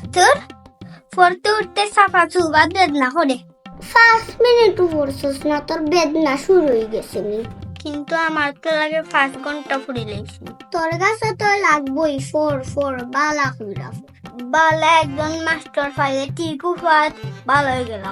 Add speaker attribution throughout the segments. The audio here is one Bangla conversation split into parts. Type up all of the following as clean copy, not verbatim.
Speaker 1: তোর পড়তে উঠতে সাফা চুবা বেদনা করে
Speaker 2: 5 মিনিট পড়ছস না তোর বেদনা শুরু হয়ে গেছে নি।
Speaker 1: কিন্তু আমার তো লাগে 5 ঘন্টা পড়ে লেছি
Speaker 2: তোর কাছে তো লাগবই 4 বালা কইরা
Speaker 1: বালা একজন মাস্টার পাইলে ঠিক উপাত ভালো হয়ে গেলাম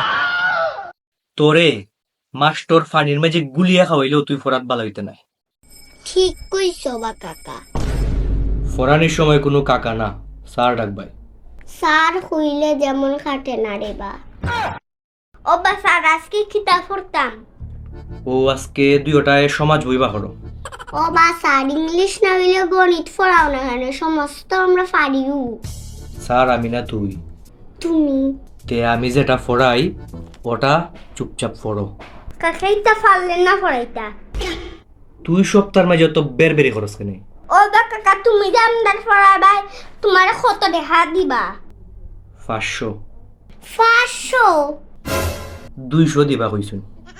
Speaker 3: তোরে মাস্টার ফানির মাঝে গুলিয়া খাওয়াইলেও তুই ফরাত বালা হইতে নাই।
Speaker 2: ঠিক কইছো বা কাকা।
Speaker 3: ফরানির সময় কোনো কাকা না, স্যার ডাকবাই।
Speaker 2: স্যার হইলে যেমন খাটে না রে বা।
Speaker 1: ও বা স্যার আজকে কিতাব পড়তাম
Speaker 3: ও আজকে দুইটায় সমাজ বইবা হলো।
Speaker 2: ও বা স্যার ইংলিশ না হইলে গণিত পড়াও না কেন? সমস্ত আমরা পারিও।
Speaker 3: স্যার আমি না তুই।
Speaker 2: তুমি
Speaker 3: তে আমি যেটা পড়াই ওটা চুপচাপ পড়ো।
Speaker 1: কাকাইতা পারলেন না পড়াইতা
Speaker 3: তুই সপ্তাহের মাঝে তো বেরবেরি খরচ কেনে।
Speaker 1: ও বা কাকা তুমি যে আমদার পড়াবাই তোমার কত দেখা দিবা
Speaker 3: 500
Speaker 2: 500
Speaker 3: 200 দিবা কইছুন।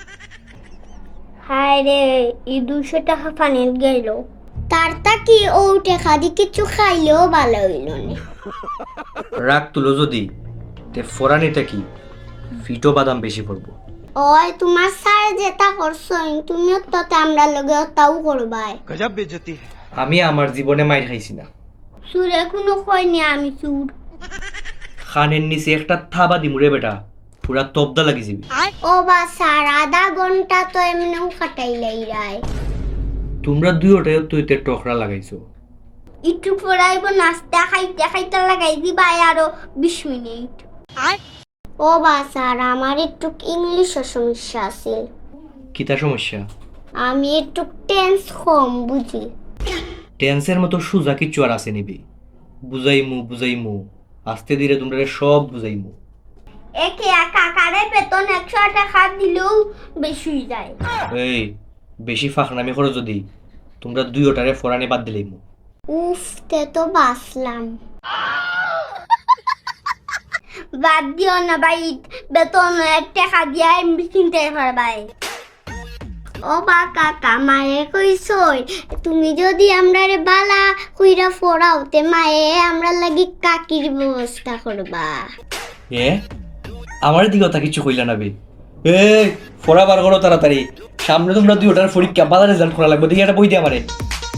Speaker 1: হায় রে এই 200 টাকা ফানিল গেল
Speaker 2: তারটা কি ও টেকা দি কিছু খাইলেও ভালো হইল না।
Speaker 3: রাগ তুলো যদি তে ফরানিটা কি ফিটো বাদাম বেশি পড়বো।
Speaker 2: ওই তোমার স্যার যেটা করছো তুমিও তো আমরা লগে তাও করবাই।
Speaker 3: আমি আমার জীবনে মাইর খাইছি না।
Speaker 1: সুরে কোনো কয়নি আমি সুর
Speaker 3: খানের নিচে একটা থাবা দিমুরে বেটা পুরা তবদা লাগি যাবি।
Speaker 2: ও বা স্যার আধা ঘন্টা তো এমনিও কাটাইলাই রায়।
Speaker 3: তোমরা দুইটাই তুই তে টকরা লাগাইছো।
Speaker 1: একটু পড়াইব নাস্তা খাইতে খাইতে লাগাই দিবা আরো 20 মিনিট
Speaker 2: ও বা স্যার আমার একটু ইংলিশের সমস্যা আছে।
Speaker 3: কিতা সমস্যা?
Speaker 2: আমি একটু টেন্স কম বুঝি।
Speaker 3: টেন্সের মতো সুজা কিচ্ছু আর আছে নিবি। বুঝাইমু আস্তে ধীরে তোমরা সব বুঝাইমু।
Speaker 1: একে কাকারে বেতন 100 টাকা দিলেও বেশি হয়ে যায়
Speaker 3: এই বেশি ফাঁকনামি করো যদি তোমরা দুইটারে ফরানি বাদ দিলেইমু।
Speaker 2: উফ তে তো বাসলাম।
Speaker 1: বাদ দিও না ভাই বেতন 1 টাকা দিয়ে আমি কিনতে পারবাই
Speaker 2: ও বা কাকা মায়ে কইছই তুমি যদি আমরারে বালা কইরা ফোড়াও তে মায়ে আমরা লাগি কাকির ব্যবস্থা করবা।
Speaker 3: এ আমার দিকে তা কিছু কইলা না বে। এই ফোড়া বার করো তাড়াতাড়ি, সামনে তোমরা দুইটার পরীক্ষা বাজার রেজাল্ট করা লাগবে, দেখি একটা বই দিয়ে আমারে।